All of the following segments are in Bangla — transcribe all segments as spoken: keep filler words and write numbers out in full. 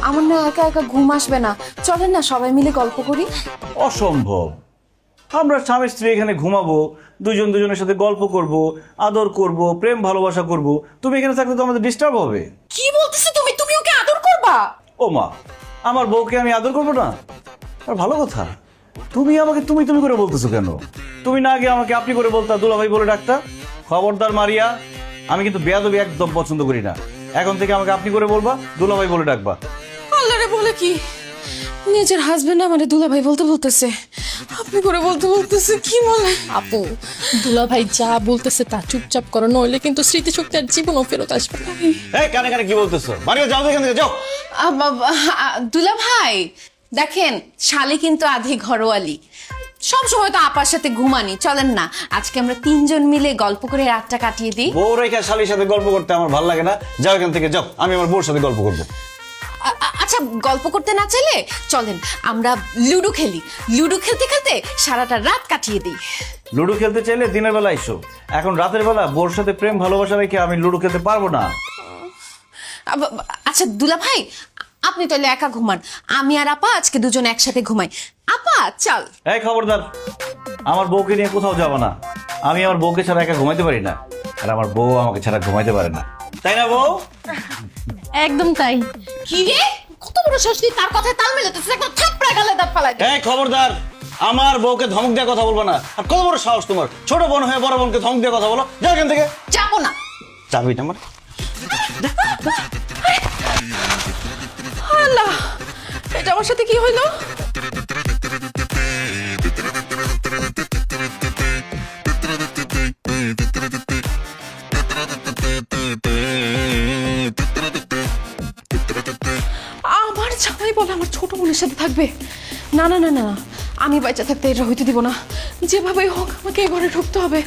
আমার না একা একা ঘুম আসবে না, চলেন না সবাই মিলে গল্প করি। অসম্ভব। আমরা স্বামী স্ত্রী এখানে ঘুমাবো, দুজন দুজনের সাথে গল্প করব, আদর করব, প্রেম ভালোবাসা করব। তুমি এখানে থাকলে তো আমাদের ডিস্টার্ব হবে। কি বলতেছো তুমি? তুমি ওকে আদর করবা? ও মা, আমার বউকে আমি আদর করবো না? আর ভালো কথা, তুমি আমাকে তুমি তুমি করে বলতেছো কেন? তুমি না আগে আমাকে আপনি করে বলতা, দুলাভাই বলে ডাকতা। খবরদার মারিয়া, আমি কিন্তু বেয়াদবি একদম পছন্দ করি না। এখন থেকে আমাকে আপনি করে বলবা, দুলাভাই বলে ডাকবা। আল্লাহরে বলে কি, নিজের হাজবেন্ড আমারে দুলাভাই বলতে বলতেছে, আপনি করে বলতে বলতেছে, কি বলে? আপু, দুলাভাই যা বলতেছে তা চুপচাপ করো, নইলে কিন্তু স্মৃতিশক্তি আর জীবনও ফেরত আসবে না। এই কানে কানে কি বলতেছো? মারিয়া যাও তো এখান থেকে, যাও। দুলাভাই দেখেন, শালি কিন্তু আধি ঘরোয়ালি, সব সময় তো আপার সাথে ঘুমানি। চলেন না আজকে আমরা তিনজন মিলে গল্প করে রাতটা কাটিয়ে দিই। বউ রেখা শালির সাথে গল্প করতে আমার ভালো লাগে না। যাও এখান থেকে, যাও। আমি আমার বউর সাথে গল্প করবো। আ- আ- আচ্ছা, গল্প করতে না চাইলে চলেন আমরা লুডো খেলি। লুডো খেলতে খেলতে সারাটা রাত কাটিয়ে দিই। লুডো খেলতে চাইলে দিনের বেলা এসো, এখন রাতের বেলা বউর সাথে প্রেম ভালোবাসা রেখে আমি লুডো খেলতে পারবো না। আব- আচ্ছা দুলাভাই, আপনি তাহলে একা ঘুমান, আমি আর আপা আজকে দুজন একসাথে ঘুমাই। আপা চল। এই খবরদার, আমার বউকে নিয়ে কোথাও যাবো না। আমি আমার বউকে ছাড়া একা ঘুমাইতে পারি না, আর আমার বউ আমাকে ছাড়া ঘুমাইতে পারে না। তাই না বউ? একদম তাই। কি রে, কত বড় শাস্তি, তার কথায় তাল মেলাতেছিস, একদম থাপড়া গালে দাঁত ফালাই দে। এই খবরদার, আমার বউকে ধমক দিয়ে কথা বলবো না। আর কত বড় সাহস তোমার, ছোট বোন হয়ে বড় বোনকে ধমক দিয়ে কথা বলো? যাও এখান থেকে। যাবো না। চাবি আমার। আল্লাহ, এটা আমার সাথে কি হইলো? আমার জামাই বলে আমার ছোট বোনের সাথে থাকবে? না না না না, আমি বাচ্চা থাকতে এটা হইতে দিব না। যেভাবে হোক আমাকে এই ঘরে ঢুকতে হবে।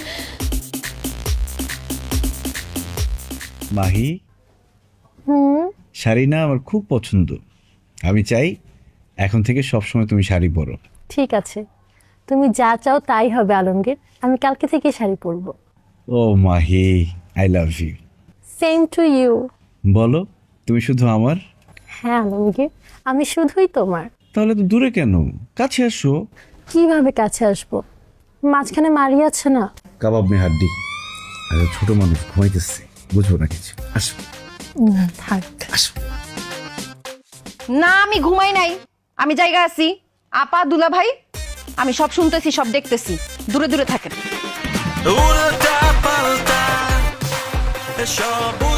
মাহি, শাড়ি না আমার খুব পছন্দ। আমি চাই এখন থেকে সবসময় তুমি শাড়ি পরো। ঠিক আছে, তুমি যা চাও তাই হবে আলমগীর। আমি কালকে থেকে শাড়ি পরবো। ও Mahi, I love you. Same to you. বলো, তুমি শুধু আমার? হ্যাঁ আলমগীর, আমি শুধুই তোমার। তাহলে তো দূরে কেন, কাছে আসো। কিভাবে কাছে আসবো? মাঝখানে মারি আছে না। কাবাব মে হাড্ডি। আরে ছোট মানুষ ঘুমাইতেছে, বুঝবো না কিছু। আসো না, থাক। আসো। না আমি ঘুমাই নাই, আমি জায়গা আছি। আপা দুলাভাই, আমি সব শুনতেছি, সব দেখতেছি, দূরে দূরে থাকেন। উল্টা পাল্টা সব